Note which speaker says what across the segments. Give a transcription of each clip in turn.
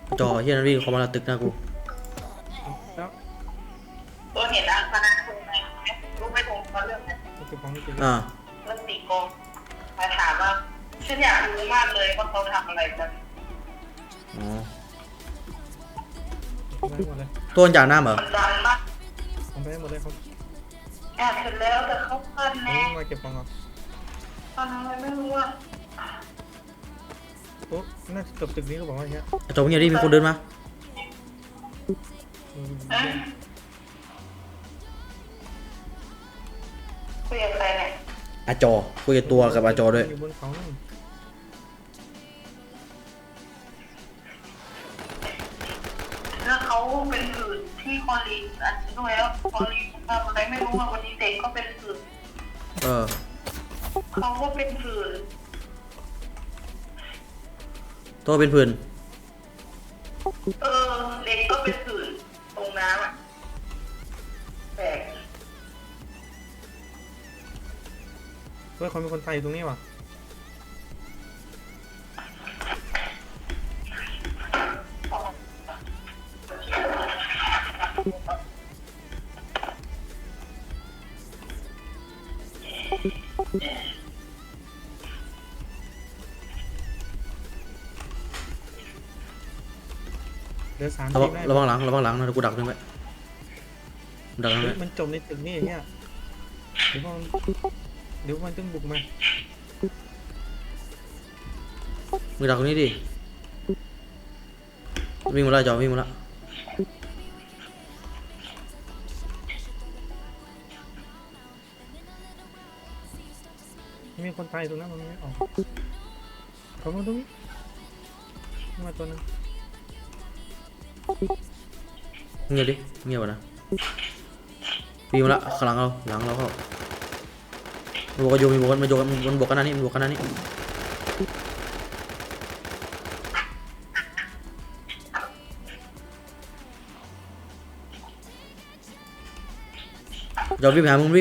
Speaker 1: จอเฮียนั่นวิ่งเข้ามาแล้วตึกหน้ากู
Speaker 2: แล้ว
Speaker 3: ตัวเห็นนะคณะครูไหมรู้ไม่ตรงเขาเรื่องไหน
Speaker 2: เก็บของไม่เก็บ
Speaker 1: อ่า
Speaker 3: เรื่องตีโกงมาถามว่าฉันอยากรู้มากเลยว่าเขาทำอะไรกัน
Speaker 1: อ๋อ
Speaker 2: ได้หมดเลย
Speaker 1: ตัวจากน้ำเหรอ
Speaker 3: มันดังมาก
Speaker 2: ทำไปหมดเลยครับ
Speaker 3: แอบเสร็จแล้วแต่เขาเพิ่นแน่
Speaker 2: มาเก็บของก่อน
Speaker 3: ตอนนั้นไม่รู้ว่า
Speaker 2: โอ้น่าจะตึกนี้ก็บอกว่าอย่างเงี้ย
Speaker 1: จอเงียบดิมีคนเดินมา
Speaker 3: คุยกับใครเนี่ย
Speaker 1: อาจอคุยกับตัวกับอาจอด้วย
Speaker 2: อยู่บนเขา
Speaker 3: แล้วเขาเป็นผื่นที่คอลีอันนี้ด้วยแล้วคอลีทำอะไรไม่รู้ว่าวันนี้เด็กก็เป็นผื่นเขาก็เป็นผื่น
Speaker 1: ตัวเป็นผื่น
Speaker 3: เด็กก็เป็นผื่นตรงน้ำอ่ะแปลก
Speaker 2: เฮ้ยเขามีคนไทยตรงนี้ว่ะเดี๋ยว3 ที
Speaker 1: ระวังหลังนะเดี๋ยวกูดักนึงไว้ดักนึงไว้
Speaker 2: มันจมในตึกนี่เนี่ยเดี๋ยวมันต้องบุกมา
Speaker 1: มึงดักตรงนี้ดิวิ่งมาแล้วจอวิ่งมาแล้ว
Speaker 2: มีคนตายตรงนั้นมันไม่ออกเขามาตรงนี้มาตัวนึง
Speaker 1: เงียบดิเงียบนะวิ่งมาแล้วข้างหลังเราเข้ามันบอกกันอยู่มันบอกกันนั่นนี่จอวิ่งไปหามึง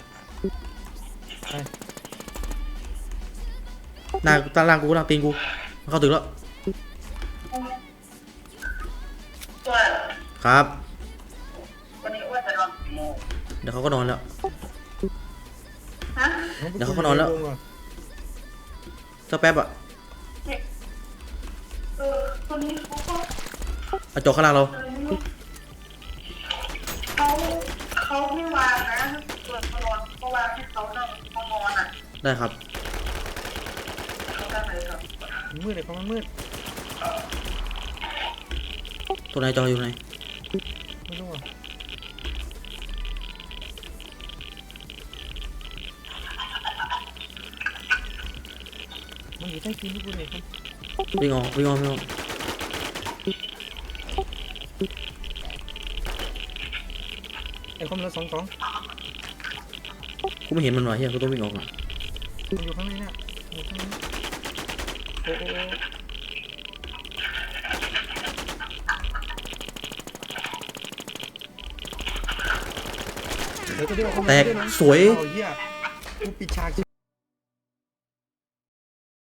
Speaker 1: หน้าตาล่างกูล่างตีนกูเข้าตึกแล้วครับ
Speaker 3: วันนี้ว่าจะนอนกี่โมง
Speaker 1: เดี๋ยวเขาก็นอนแล้ว
Speaker 3: ฮะ
Speaker 1: เดี๋ยวเขาก็นอนแล้วสักแป๊บอ่ะ
Speaker 3: คนนี้เขาก็
Speaker 1: เอาจอข้างล่างเรา
Speaker 3: เขาไม่วางนะเปิดนอนเขาวางให้เขานั่งเขานอนอ่ะ
Speaker 1: ได้ครับ
Speaker 3: เขาได้ไหมครับ
Speaker 2: มืดเลยเขามันมืด
Speaker 1: ตัวไหนจออยู่ไหน
Speaker 2: ไม่รู้อ่ะมันอยู่ใต้ตีนทุกคนเลยครับ
Speaker 1: วิ่งออก
Speaker 2: ไอ้คอมละ2
Speaker 1: กูไม่เห็นมันว่ะเฮียกูต้องวิ่งออกอ่ะ
Speaker 2: มันอยู่ข้างในเนี่ยอยู่ข้างในโอ้
Speaker 1: แตกสวย
Speaker 2: กูปิดฉาก